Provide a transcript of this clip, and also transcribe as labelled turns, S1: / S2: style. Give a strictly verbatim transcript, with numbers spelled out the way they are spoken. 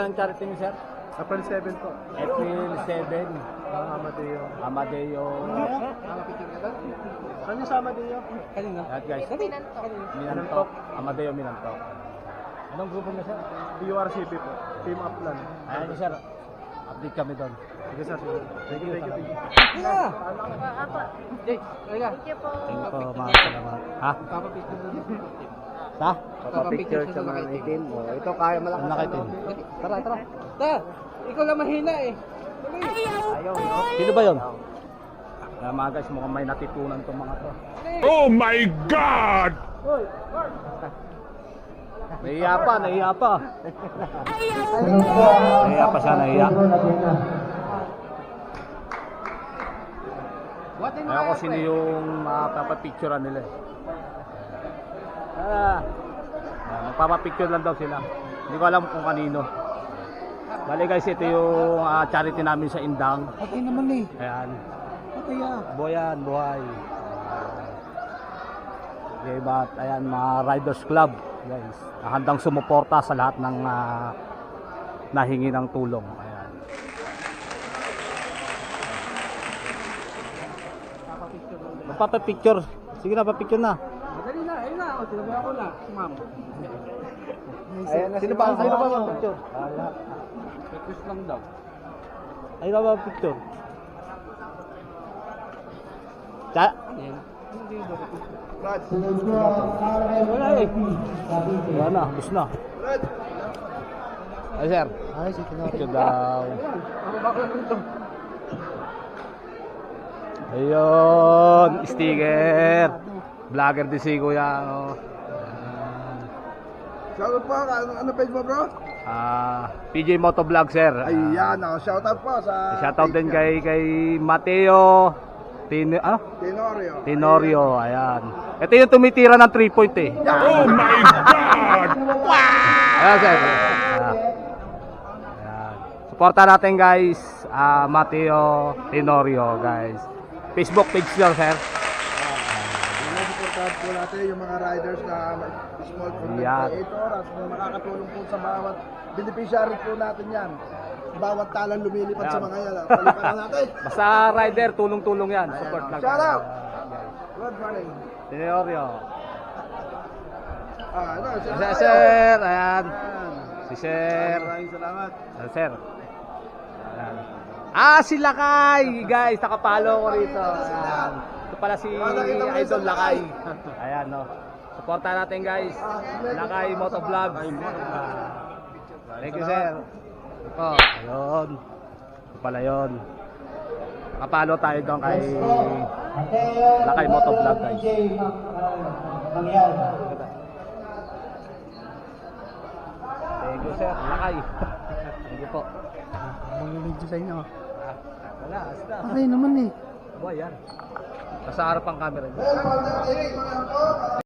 S1: ang charity niyo, sir?
S2: April seven po.
S1: April seven.
S2: Ang Amadeo.
S1: Amadeo.
S2: Saan yung sa Amadeo?
S3: Kanina.
S1: Lahat guys.
S3: Kanina.
S1: Minantok. Amadeo Minantok. Anong grupo niyo, sir?
S2: P U R C P po. Team Uplan.
S1: Ayan niyo, sir. Update kami doon.
S2: Sige sir. Thank you, thank you, thank you.
S3: Yeah. Jay, halika.
S4: Thank you po.
S1: Thank you po, mga salamat. Ha?
S3: Papapicture doon.
S1: Ha?
S3: Papapicture sa mga itim.
S1: Oh, ito kaya malakas. Ang nakaitim. Tara, tara.
S3: Ta, ikaw lang mahina eh.
S1: Ayaw. Sino ba yun? Kaya mga guys, mukhang may natitunan itong mga to.
S5: Oh my God!
S1: Nahiya pa, nahiya pa. Nahiya pa siya, nahiya. Ayaw ko sino yung mapapapicturean nila. Ah, magpapapicture lang daw sila. Hindi ko alam kung kanino. Bali guys, ito yung uh, charity namin sa Indang.
S3: Patay naman eh.
S1: Ayan.
S3: Patay ah.
S1: Buhayan, buhay. Okay, but ayan, mga Riders Club, guys. Handang sumuporta sa lahat ng uh, nahingi ng tulong. Ayan. Magpapapicture. Sige na, papicture na.
S3: Madali na, ayun na. O, sinabi ako na. Si ma'am.
S1: Ayan, sino ba? Sino ba mag-picture?
S3: Request lang daw.
S1: Ayun na ba picture? Cha?
S3: Ayan. Hindi daw.
S1: Wala eh. Wala na, bus na. Ay sir.
S3: Ay, sige na.
S1: Picture daw.
S3: Ako baka lang ito.
S1: Ayun, sticker. Vlogger din si Kuya. Oh.
S2: Shoutout po. Ano, ano page mo bro?
S1: Ah, P J Motovlog sir. Ah,
S2: Ayan ako. Shoutout po sa...
S1: shoutout din kay kay Mateo Tin ah?
S2: Tenorio.
S1: Tenorio, ayan. Ito yung tumitira ng three point eh.
S5: Oh my God!
S1: Ayan sir. Ah. Ayan. Suporta natin guys. Ah, Mateo Tenorio guys. Facebook page nyo sir.
S2: Supportahan po natin yung mga riders na small content
S1: Yan.
S2: creator at makakatulong po sa bawat beneficiary po natin yan. Bawat talang lumilipad
S1: Yan.
S2: sa mga yan. Paliparan natin.
S1: Basta rider, tulong-tulong yan. Support lang.
S2: Shout out!
S1: Guys.
S2: Good morning.
S1: Tenorio.
S2: Ah, ano, si
S1: Si sir, ayan. Si sir.
S2: Maraming salamat.
S1: Si sir. Ayan. Ah, si Lakay! Guys, nakapalo ko rito. Ayan. Ito pala si Idol Lakay. Ayan, no. Supportan natin guys. Lakay Motovlog. Thank you, sir. Ito, ayun. Ito pala yun. Nakapalo tayo doon kay Lakay Motovlog, guys. Thank you, sir. Lakay. Thank you po.
S3: Mag-video sa inyo.
S1: Ah, wala, basta.
S3: Okay naman eh.
S1: Boy, yan. Nasa harap ang camera niya.